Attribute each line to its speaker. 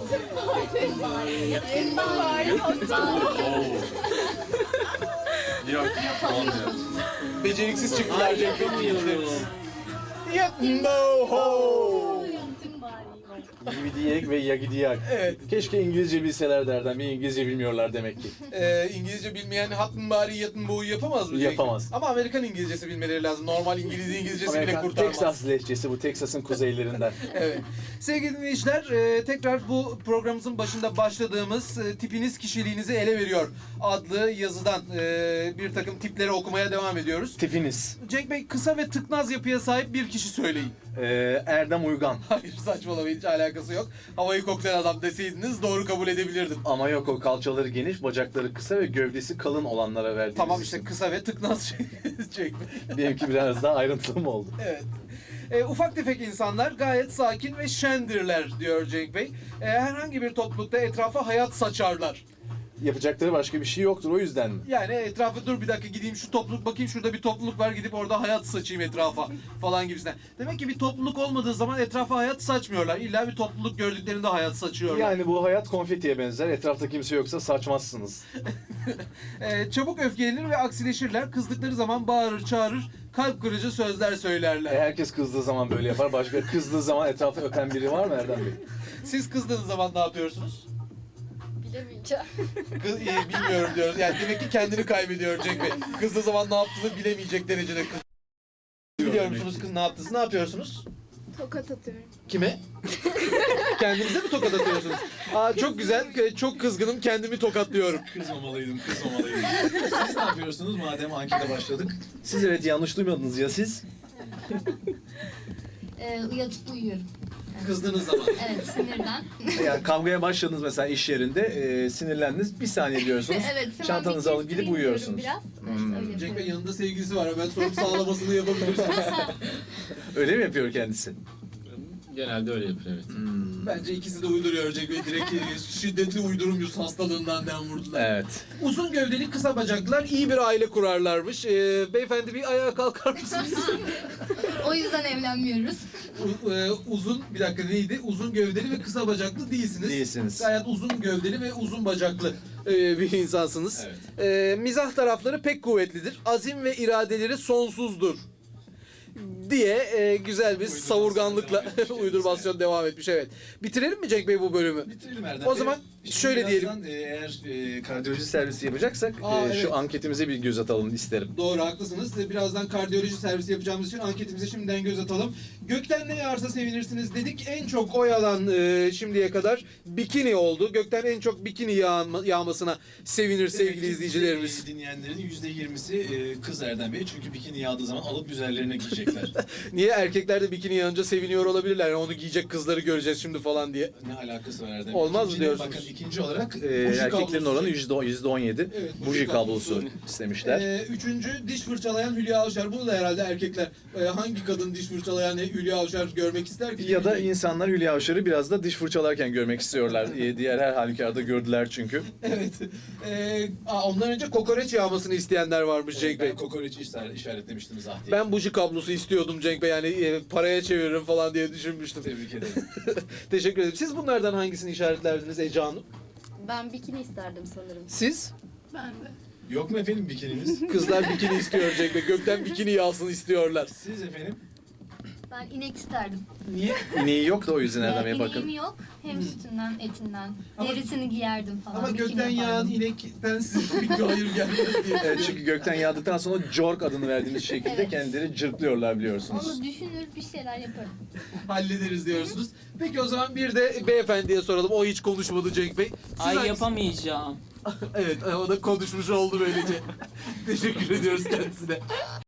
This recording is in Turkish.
Speaker 1: Yok, olmuyor.
Speaker 2: Beceriksiz çıktılar Cenk Bey. Yatmbo.
Speaker 3: Yagidiyek ve Yagidiyak.
Speaker 2: Evet.
Speaker 3: Keşke İngilizce bilseler derden. Bir İngilizce bilmiyorlar demek ki.
Speaker 2: İngilizce bilmeyen hatın bari yatın boğu yapamaz mı? Cenk?
Speaker 3: Yapamaz.
Speaker 2: Ama Amerikan İngilizcesi bilmeleri lazım. Normal İngilizcesi bile
Speaker 3: Amerikan
Speaker 2: kurtarmaz.
Speaker 3: Texas lehçesi bu. Texas'ın kuzeylerinden.
Speaker 2: Evet. Sevgili dinleyiciler, tekrar bu programımızın başında başladığımız tipiniz kişiliğinizi ele veriyor adlı yazıdan bir takım tipleri okumaya devam ediyoruz.
Speaker 3: Tipiniz.
Speaker 2: Cenk Bey, kısa ve tıknaz yapıya sahip bir kişi söyleyin.
Speaker 3: Erdem Uygan.
Speaker 2: Hayır, saçmalamayın, hiç alakası yok. Havayı koklayan adam deseydiniz doğru kabul edebilirdim.
Speaker 3: Ama yok, o kalçaları geniş, bacakları kısa ve gövdesi kalın olanlara verdiğimiz
Speaker 2: Tamam işte,
Speaker 3: isim.
Speaker 2: kısa ve tıknaz Cenk Bey.
Speaker 3: Benimki biraz daha ayrıntılı mı oldu?
Speaker 2: Evet. Ufak tefek insanlar gayet sakin ve şendirler diyor Cenk Bey. Herhangi bir toplulukta etrafa hayat saçarlar.
Speaker 3: Yapacakları başka bir şey yoktur, o yüzden mi?
Speaker 2: Yani etrafa dur bir dakika gideyim şu topluluk bakayım, şurada bir topluluk var, gidip orada hayat saçayım etrafa falan gibisinden. Demek ki bir topluluk olmadığı zaman etrafa hayat saçmıyorlar. İlla bir topluluk gördüklerinde hayat saçıyorlar.
Speaker 3: Yani bu hayat konfetiye benzer. Etrafta kimse yoksa saçmazsınız.
Speaker 2: Çabuk öfkelenir ve aksileşirler. Kızdıkları zaman bağırır, çağırır, kalp kırıcı sözler söylerler.
Speaker 3: Herkes kızdığı zaman böyle yapar. Başka kızdığı zaman etrafı öpen biri var mı Erdem Bey?
Speaker 2: Siz kızdığınız zaman ne yapıyorsunuz?
Speaker 4: Bilemeyeceğim.
Speaker 2: Bilmiyorum diyoruz. Yani demek ki kendini kaybediyor Cenk Bey. Kızdığı zaman ne yaptığını bilemeyecek derecede kız. Biliyor musunuz kız ne yaptınız? Ne yapıyorsunuz?
Speaker 4: Tokat atıyorum.
Speaker 2: Kime? Kendinize mi tokat atıyorsunuz? Aa, çok güzel. Çok kızgınım. Kendimi tokatlıyorum.
Speaker 1: Kızmamalıydım. Siz ne yapıyorsunuz madem ankete başladık?
Speaker 3: Siz evet yanlış duymadınız ya siz?
Speaker 4: Yatıp uyuyorum.
Speaker 2: Kızdığınız zaman.
Speaker 4: Evet, sinirden.
Speaker 3: Yani kavgaya başladınız mesela iş yerinde, sinirlendiniz, bir saniye diyorsunuz.
Speaker 4: Evet, hemen
Speaker 3: Çantanızı
Speaker 4: bir
Speaker 3: alıp gidip
Speaker 4: kestireyim
Speaker 3: uyuyorsunuz.
Speaker 4: diyorum Biraz. Evet, öyle
Speaker 2: Cenk Bey
Speaker 4: yapıyorum.
Speaker 2: yanında sevgilisi var. Hemen sorup sağlamasını yapabilirsiniz.
Speaker 3: Öyle mi yapıyor kendisi?
Speaker 1: Genelde öyle yapıyor, evet.
Speaker 2: Bence ikisi de uyduruyor Cenk Bey. Direkt şiddetli uydurum yüz hastalığından dem vurdular.
Speaker 3: Evet.
Speaker 2: Uzun gövdeli kısa bacaklılar iyi bir aile kurarlarmış. Beyefendi bir ayağa kalkar mısınız?
Speaker 4: O yüzden evlenmiyoruz.
Speaker 2: Uzun, bir dakika neydi? Uzun gövdeli ve kısa bacaklı değilsiniz.
Speaker 3: Değilsiniz.
Speaker 2: Gayet uzun gövdeli ve uzun bacaklı bir insansınız. Mizah tarafları pek kuvvetlidir. Azim ve iradeleri sonsuzdur. Diye güzel bir savurganlıkla uydurmasyon devam etmiş, evet. Bitirelim mi Cenk Bey bu bölümü?
Speaker 1: Bitirelim Erdem
Speaker 2: O
Speaker 1: Bey.
Speaker 2: zaman
Speaker 1: Şimdi
Speaker 2: şöyle
Speaker 1: birazdan, eğer
Speaker 3: Kardiyoloji servisi yapacaksak
Speaker 2: Evet.
Speaker 3: şu anketimize bir göz atalım isterim.
Speaker 2: Doğru, haklısınız. Birazdan kardiyoloji servisi yapacağımız için anketimize şimdiden göz atalım. Gökten ne yağarsa sevinirsiniz dedik. En çok oy alan şimdiye kadar bikini oldu. Gökten en çok bikini yağmasına sevinir sevgili izleyicilerimiz.
Speaker 1: Dinleyenlerin %20'si kız Erdem Bey. Çünkü bikini yağdığı zaman alıp üzerlerine giyecekler.
Speaker 2: Niye erkekler de bikini yağınca seviniyor olabilirler? Yani onu giyecek kızları göreceğiz şimdi falan diye.
Speaker 1: Ne alakası var Erdem Bey?
Speaker 2: Olmaz mı
Speaker 1: İkinci-
Speaker 2: diyorsunuz?
Speaker 1: Bakın ikinci olarak
Speaker 3: Erkeklerin oranı %17.
Speaker 2: Evet,
Speaker 3: Buji kablosu istemişler.
Speaker 2: Üçüncü, diş fırçalayan Hülya Avşar. Bunu da herhalde erkekler, hangi kadın diş fırçalayan Hülya Avşar görmek ister ki?
Speaker 3: Ya da insanlar Hülya Avşar'ı biraz da diş fırçalarken görmek istiyorlar. Diğer her halükarda gördüler çünkü.
Speaker 2: Evet. Ondan önce kokoreç yağmasını isteyenler varmış Cenk Bey.
Speaker 1: ben kokoreçi işaretlemiştim zaten.
Speaker 2: Ben buji kablosu istiyordum Cenk Bey. Yani paraya çeviririm falan diye düşünmüştüm.
Speaker 1: Tebrik ederim.
Speaker 2: Teşekkür ederim. Siz bunlardan hangisini işaretlerdiniz Ece Hanım?
Speaker 4: Ben bikini isterdim sanırım.
Speaker 2: Siz?
Speaker 4: Ben de.
Speaker 1: Yok mu efendim bikininiz?
Speaker 2: Kızlar bikini istiyor Cenk Bey. Gökten bikini yağsın istiyorlar.
Speaker 1: Siz efendim?
Speaker 4: Ben inek isterdim.
Speaker 2: Niye?
Speaker 3: İneği yok da o yüzden Erdem Bey
Speaker 4: İneğim
Speaker 3: bakın.
Speaker 4: yok. Hem sütünden, etinden.
Speaker 2: Ama-
Speaker 4: Derisini giyerdim falan.
Speaker 2: Ama
Speaker 4: bikini
Speaker 2: gökten yağan
Speaker 4: yapardım.
Speaker 2: inekten size bir hayır gelmez diye.
Speaker 3: Evet, çünkü gökten yağdıktan sonra Jork adını verdiğimiz şekilde
Speaker 4: Evet.
Speaker 3: kendileri cırtlıyorlar biliyorsunuz.
Speaker 4: Onu düşünür bir şeyler yaparım.
Speaker 2: Hallederiz diyorsunuz. Peki o zaman bir de beyefendiye soralım. O hiç konuşmadı Cenk Bey. Siz
Speaker 5: Ay
Speaker 2: hangisi-
Speaker 5: yapamayacağım.
Speaker 2: Evet, o da konuşmuş oldu böylece. Teşekkür ediyoruz kendisine.